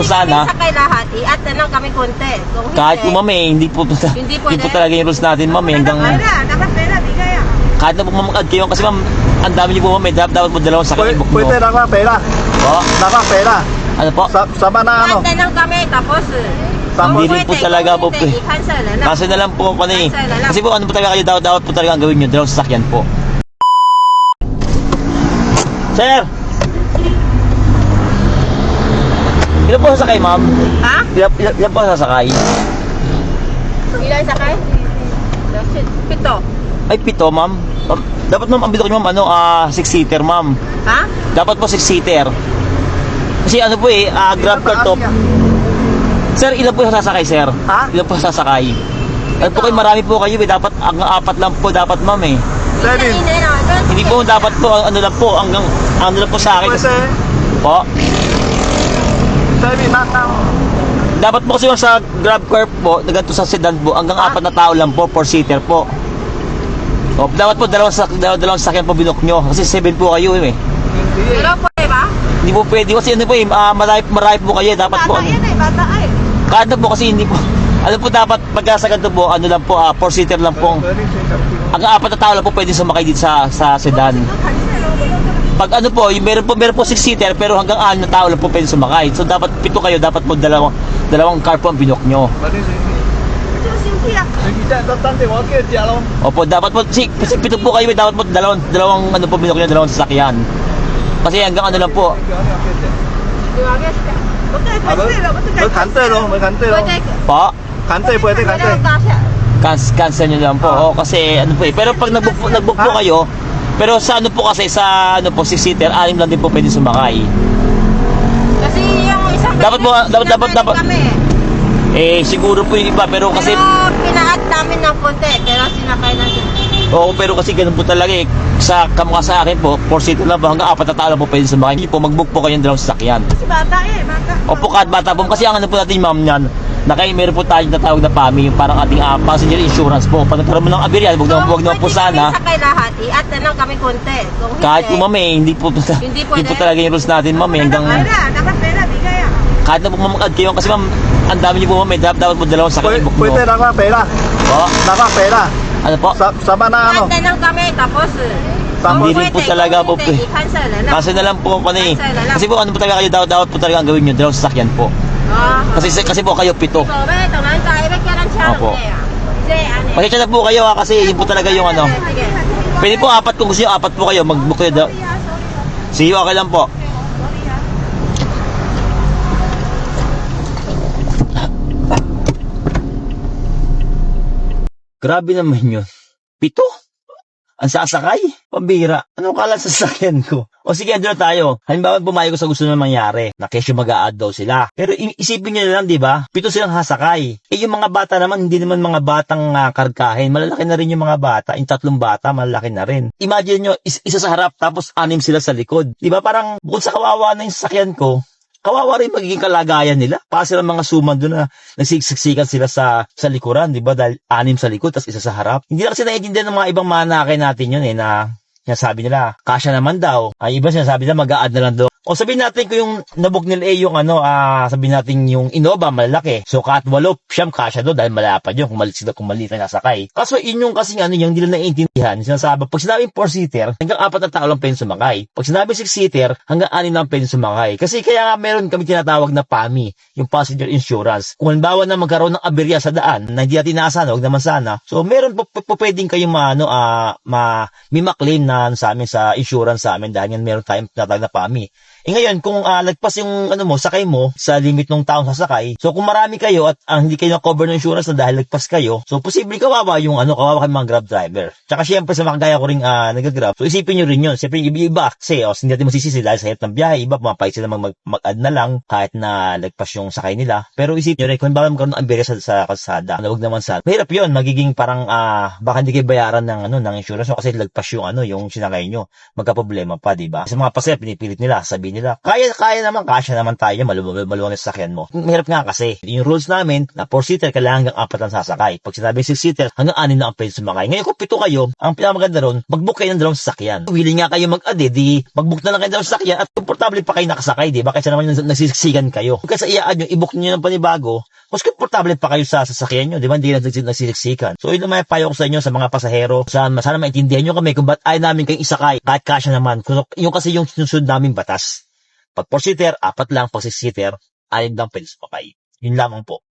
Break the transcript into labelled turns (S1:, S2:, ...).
S1: Sana.
S2: Sakay lahat, i-at na lang kami konti. Kung
S1: Kahit po ma'am hindi po
S2: Hindi
S1: po
S2: pwede.
S1: talaga yung rules natin ma'am hanggang
S2: dapat pera, di kaya.
S1: kahit na po mamagad kayo kasi ma'am ang dami niyo po ma'am dapat mo dalawang sakay book
S3: Pwede
S1: nyo.
S3: dapat pera.
S1: Po?
S3: Dapat pera.
S1: Ano po?
S3: Sama na ano.
S2: I-at na lang kami, tapos
S1: Hindi rin po talaga po.
S2: i-cancel na lang.
S1: Kasi na lang po ano eh.
S2: Cancel na lang.
S1: Kasi po ano po talaga kayo dapat po talaga ang gawin nyo dalawang sasakyan po. Sir! Ilan po sasakay ma'am?
S2: Ha?
S1: Ilan po sasakay?
S2: Ilan sakay? Pito.
S1: Ay, pito, ma'am. Dapat, ma'am, ang bilog niyo, ma'am, 6-seater, ma'am.
S2: Ha?
S1: Dapat po 6-seater. Kasi ano po grab car to. Sir, ilan po sasakay, sir?
S3: Ha?
S1: Ilan po sasakay? Ano po kayo, marami po kayo, dapat, ang 4 lang po, dapat, ma'am, eh.
S3: Seven.
S1: Hindi po, dapat po, ano lang po, hanggang, ano lang po sa akin.
S3: Pwede.
S1: Po.
S3: Seven na.
S1: Dapat po kasi yung sa grab car po, ganito sa sedan po, hanggang 4 na tao lang po, 4-seater po. O, dapat po, dalawang sasakyan po binok nyo. Kasi 7 po kayo, eh.
S2: Pero pwede ba?
S1: Hindi po pwede kasi ano po marami po kayo dapat po
S2: Bata yan eh, bata eh.
S1: kada po kasi hindi po ano po dapat pagka sa ganito po ano lang po 4-seater lang po ang 4 na tao lang po pwede sumakay dito sa sedan pag ano po meron po 6-seater pero hanggang 6 na tao lang po pwede sumakay so dapat 7 kayo dapat po dalawang car po ang binok nyo opo dapat po kasi 7 po kayo dapat po dalawang ano po binok nyo dalawang sasakyan kasi hanggang ano lang po po
S3: Pwede.
S1: cancel nyo lang po. Kasi ano po pero pag nag-book po kayo, pero sa ano po kasi sa ano po 6-seater, 6 lang din po pwede sumakay.
S2: Kasi yung isang
S1: Dapat po, dapat
S2: kami.
S1: Siguro po yung iba pero kasi
S2: Pero pina-add namin ng konti, pero sinakay natin.
S1: pero kasi ganun po talaga sa kamukha sa akin po 4-seater lang po hanggang 4 na tao lang po pwede sumakay. Hindi po mag-book po kayo ng dalawang sasakyan.
S2: Kasi bata eh, bata.
S1: Opo kahit bata po kasi ang ano po natin ma'am niyan meron po tayong natawag na PAMI, yung parang ating passenger insurance po. Pag nagkaroon mo ng aberya, wag naman po sana.
S2: Sakay lahat, i-add na lang kami konti. Kung
S1: Kahit po ma'am hindi po talaga yung rules natin ma'am hanggang
S2: dapat pera, di kaya.
S1: kahit na po mamagad kayo kasi ma'am ang dami niyo po ma'am dapat mo dalawang sakay book
S3: Pwede
S1: nyo.
S3: dapat pera.
S1: Po?
S3: Dapat pera.
S1: Ano po?
S3: Sama na ano.
S2: I-add na lang kami, tapos
S1: Hindi rin po talaga po.
S2: i-cancel na lang.
S1: Kasi na lang po
S2: Cancel na lang.
S1: kasi po ano po talaga kayo dapat po talaga ang gawin nyo dalawang sasakyan po. Kasi po kayo 7.
S2: Opo.
S1: Pasensya na po kayo kasi yun po talaga yung ano.
S2: Sige.
S1: Pwede po 4 kung gusto nyo 4 po kayo mag-book kayo. Sige okay lang po. Grabe naman yun. 7? Ang sasakay? Pambira. Ano kala sa sasakyan ko? O sige, andun na tayo. Halimbawa, pumayag ko sa gusto na mangyari. Na kesyo mag-a-add daw sila. Pero isipin nyo na lang, di ba? 7 silang sasakay. Yung mga bata naman, hindi naman mga batang karkahin. Malalaki na rin yung mga bata. Yung 3 bata, malalaki na rin. Imagine nyo, isa sa harap, tapos 6 sila sa likod. Di ba? Parang, bukod sa kawawa na yung sasakyan ko, kawawa rin magiging kalagayan nila. Para silang mga suman doon na nagsiksikan sila sa likuran, di ba? Dahil 6 sa likod, tapos isa sa harap. Hindi na kasi naiintindihan ng mga ibang manakay natin yun na sinasabi nila, kasya naman daw. Ay iba sinasabi nila, mag-a-add na lang daw. O sabihin natin ko yung nabok nila yung sabihin natin yung Innova, malaki. So kahit 8, siyam kasya doon dahil malapad yun kung maliit na nasakay. Kaso yun yung kasing yung hindi nila naiintindihan. Sinasabi, pag sinabing 4-seater, hanggang 4 na tao lang pwede sumakay. Pag sinabing 6-seater, hanggang 6 lang pwede sumakay. Kasi kaya nga meron kami tinatawag na PAMI, yung passenger insurance. Kung halimbawa na magkaroon ng aberya sa daan, na hindi natin naasahan, huwag naman sana. So meron po pwedeng kayong may maklaim na sa amin sa insurance sa amin dahil yan meron tayong tinatawag na PAMI. Ngayon, kung lagpas yung sakay mo sa limit ng taong sasakay, so kung marami kayo at hindi kayo na-cover ng insurance na dahil lagpas kayo, so posible kawawa kawawa kayong mga grab driver. Tsaka syempre sa mga kagaya ko ring nag-grab, so isipin nyo rin yun. Siyempre yung iba kasi hindi natin masisisi dahil sa hirap ng biyahe, iba pumapayag sila mag-add na lang kahit na lagpas yung sakay nila. Pero isipin nyo rin, kung bakit magkaroon ng aberya sa kalsada, huwag naman sa mahirap yun, magiging parang baka hindi kayo bayaran ng insurance kasi lagpas yung sinakay nyo, magka-problema pa, diba? Sa mga pasaya, pinipilit nila, sabihin sabihin nila, kaya naman, kasya naman tayo, maluwang na sasakyan mo. Mahirap nga kasi. Yung rules namin, na 4-seater, kailangan hanggang 4 ang sasakay. Pag sinabing 6-seater, hanggang 6 na ang pwede sumakay. Ngayon kung 7 kayo, ang pinakamaganda ron, mag-book kayo ng 2 sasakyan. Willing nga kayo mag-ade, di mag-book na lang kayo ng 2 sasakyan at komportable pa kayo nakasakay, di ba? Kaysa naman nagsisiksikan kayo. Kaysa i-add nyo, i-book nyo ng panibago, mas komportable pa kayo sa sasakyan nyo, di ba? Hindi na nagsisiksikan. So, yun naman payo ko sa inyo, sa mga pasahero. Sana maintindihan nyo kami kung ba't ayaw namin kayong isakay. Kahit kasya naman. Yung kasi yung sinusunod namin batas. Pag 4-seater, 4 lang. Pag 6-seater, 6 lang pwede sumakay. Yun lamang po.